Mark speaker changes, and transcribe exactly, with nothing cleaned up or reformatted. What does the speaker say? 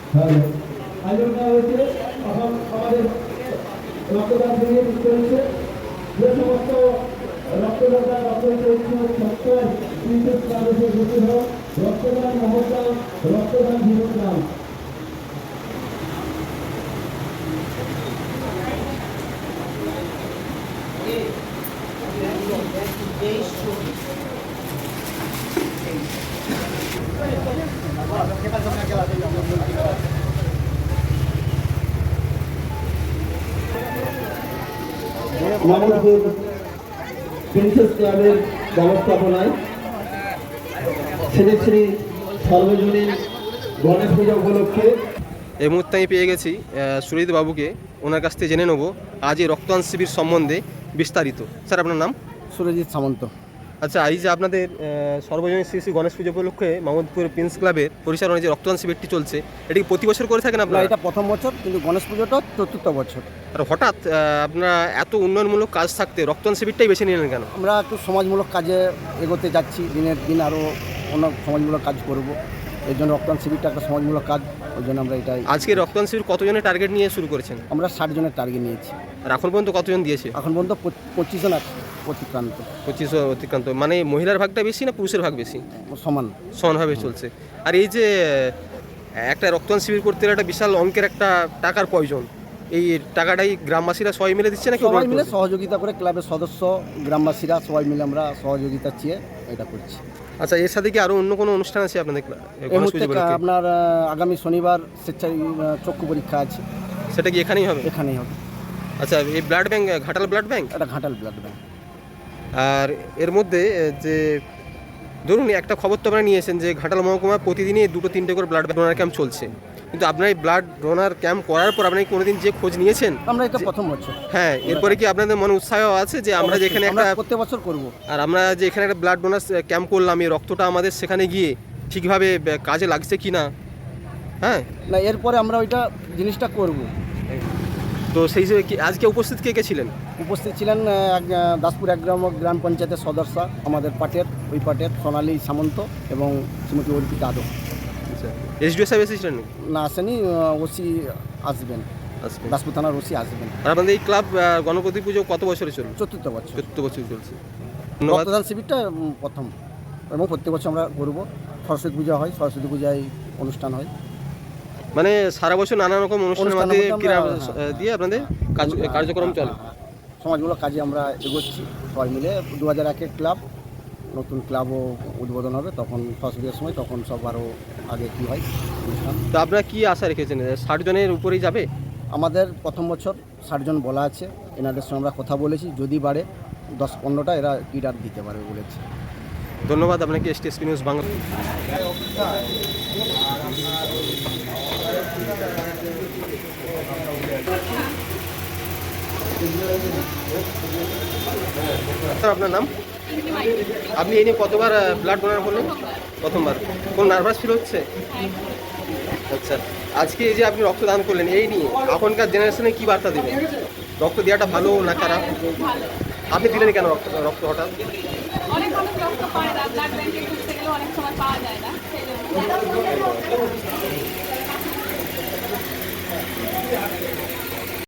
Speaker 1: আয়োজন করা হয়েছে আমাদের রক্তদান শিবির চলছে। যে সমস্ত রক্তদাতা রক্তদান মহোৎসব রক্তদান জীবনদান মামুদপুর প্রিন্সেস ক্লাবের ব্যবস্থাপনায় শ্রী শ্রী সর্বজনীন গণেশ পূজা উপলক্ষে
Speaker 2: এই মুহূর্তে আমি পেয়ে গেছি সুরজিৎ বাবুকে। ওনার কাছ থেকে জেনে নেব আজ এই রক্তদান শিবির সম্বন্ধে বিস্তারিত। স্যার, আপনার নাম?
Speaker 3: সুরজিৎ সামন্ত।
Speaker 2: আচ্ছা, এই যে আপনাদের সর্বজনীন শ্রী শ্রী গণেশ পুজো উপলক্ষে মামুদপুর প্রিন্স ক্লাবের পরিচালনায় যে রক্তদান শিবিরটি চলছে, এটি প্রতি বছর করে থাকেন আপনারা?
Speaker 3: এটা প্রথম বছর, কিন্তু গণেশ পুজোটা চতুর্থ বছর।
Speaker 2: আর হঠাৎ আপনারা এত উন্নয়নমূলক কাজ থাকতে রক্তদান শিবিরটাই বেছে নিলেন কেন?
Speaker 3: আমরা একটু সমাজমূলক কাজে এগোতে যাচ্ছি, দিনের দিন আরও অন্য সমাজমূলক কাজ করব। এর জন্য রক্তদান শিবিরটা একটা সমাজমূলক কাজ, ওই জন্য আমরা এটাই।
Speaker 2: আজকে রক্তদান শিবির কতজনের টার্গেট নিয়ে শুরু করেছেন?
Speaker 3: আমরা ষাট জনের টার্গেট নিয়েছি।
Speaker 2: আর এখন পর্যন্ত কতজন দিয়েছে?
Speaker 3: এখন পর্যন্ত পঁচিশ জন অতিক্রান্ত।
Speaker 2: পঁচিশ অতিক্রান্ত, মানে মহিলার ভাগটা বেশি না পুরুষের ভাগ বেশি?
Speaker 3: সমান
Speaker 2: সমানভাবে চলছে। আর এই যে একটা রক্তদান শিবির করতে গেলে একটা বিশাল অঙ্কের একটা টাকার প্রয়োজন, এই টাকাটাই গ্রামবাসীরা সবাই মিলে দিচ্ছে নাকি?
Speaker 3: সবাই মিলে সহযোগিতা করে, ক্লাবের সদস্য গ্রামবাসীরা সবাই মিলে আমরা সহযোগিতা চেয়ে এটা করছি।
Speaker 2: আচ্ছা, এর সাথে কি আরও অন্য কোনো অনুষ্ঠান আছে আপনাদের?
Speaker 3: আপনার আগামী শনিবার স্বেচ্ছায় চক্ষু পরীক্ষা আছে।
Speaker 2: সেটা কি এখানেই হবে?
Speaker 3: এখানেই হবে।
Speaker 2: আচ্ছা, এই blood bank Ghatal blood bank?
Speaker 3: এটা ঘাটাল ব্লাড ব্যাংক।
Speaker 2: আর এর মধ্যে যে ধরুন একটা খবর তো আপনারা নিয়েছেন যে ঘাটাল মহকুমা প্রতিদিনই দুটো তিনটে করে ব্লাড ডোনার ক্যাম্প চলছে, কিন্তু আপনার এই ব্লাড ডোনার ক্যাম্প করার পর আপনি কোনোদিন যে খোঁজ নিয়েছেন?
Speaker 3: আমরা এটা প্রথম বছর।
Speaker 2: হ্যাঁ, এরপরে কি আপনাদের মনে উৎসাহ আছে যে আমরা যেখানে একটা
Speaker 3: প্রত্যেক বছর করব,
Speaker 2: আর আমরা যে এখানে একটা ব্লাড ডোনার ক্যাম্প করলাম, এই রক্তটা আমাদের সেখানে গিয়ে ঠিকভাবে কাজে লাগছে কি না? হ্যাঁ,
Speaker 3: না এরপরে আমরা ওইটা জিনিসটা করব।
Speaker 2: তো সেই হিসেবে কি আজকে উপস্থিত কে কে ছিলেন?
Speaker 3: উপস্থিত ছিলেন দাসপুর এক গ্রাম গ্রাম পঞ্চায়েতের সদস্য, আমাদের পাটের ওই পাটের সোনালী সামন্ত এবং শ্রীমতী অর্পিতা যাদব।
Speaker 2: আচ্ছা, এসডিও সাহেব এসেছিলেন?
Speaker 3: না, আসেনি, ওসি আসবেন, দাসপুর থানার ওসি আসবেন।
Speaker 2: আর আপনাদের এই ক্লাব গণপতি পুজো কত বছরে চলছে?
Speaker 3: চতুর্থ বছর।
Speaker 2: চতুর্থ বছর চলছে।
Speaker 3: রক্তদান শিবিরটা প্রথম, এবং প্রত্যেক বছর আমরা করবো। সরস্বতী পূজা হয়, সরস্বতী পূজায় অনুষ্ঠান হয়,
Speaker 2: মানে সারা বছর নানা রকম অনুষ্ঠানের মধ্যে দিয়ে আপনাদের কাজ কার্যক্রম চলে।
Speaker 3: সমাজমূলক কাজে আমরা এগোচ্ছি সবাই মিলে। দু হাজার একের ক্লাব, নতুন ক্লাবও উদ্বোধন হবে তখন সরস্বতীর সময়, তখন সব আরও আগে কী হয় অনুষ্ঠান।
Speaker 2: তো আপনারা কী আশা রেখেছেন? ষাট জনের উপরেই যাবে?
Speaker 3: আমাদের প্রথম বছর ষাট জন বলা আছে, এনাদের সঙ্গে আমরা কথা বলেছি, যদি বাড়ে দশ পনেরোটা এরা কিট আর দিতে পারবে বলেছে।
Speaker 2: ধন্যবাদ আপনাকে এসটিএসপি নিউজ বাংলা। আপনার নাম? আপনি এই নিয়ে কতবার ব্লাড ডোনার করলেন? প্রথমবার। কোন নার্ভাস ফিল হচ্ছে? আচ্ছা, আজকে এই যে আপনি রক্তদান করলেন, এই নিয়ে এখনকার জেনারেশনে কি বার্তা দেবেন? রক্ত দেওয়াটা ভালো না খারাপ? আপনি দিলেন কেন রক্ত রক্ত হঠাৎ?
Speaker 4: অনেক মানুষ রক্ত পায় না, ব্লাড ব্যাংকে খুঁজতে গেলে অনেক সময় পাওয়া যায় না, সেই জন্য।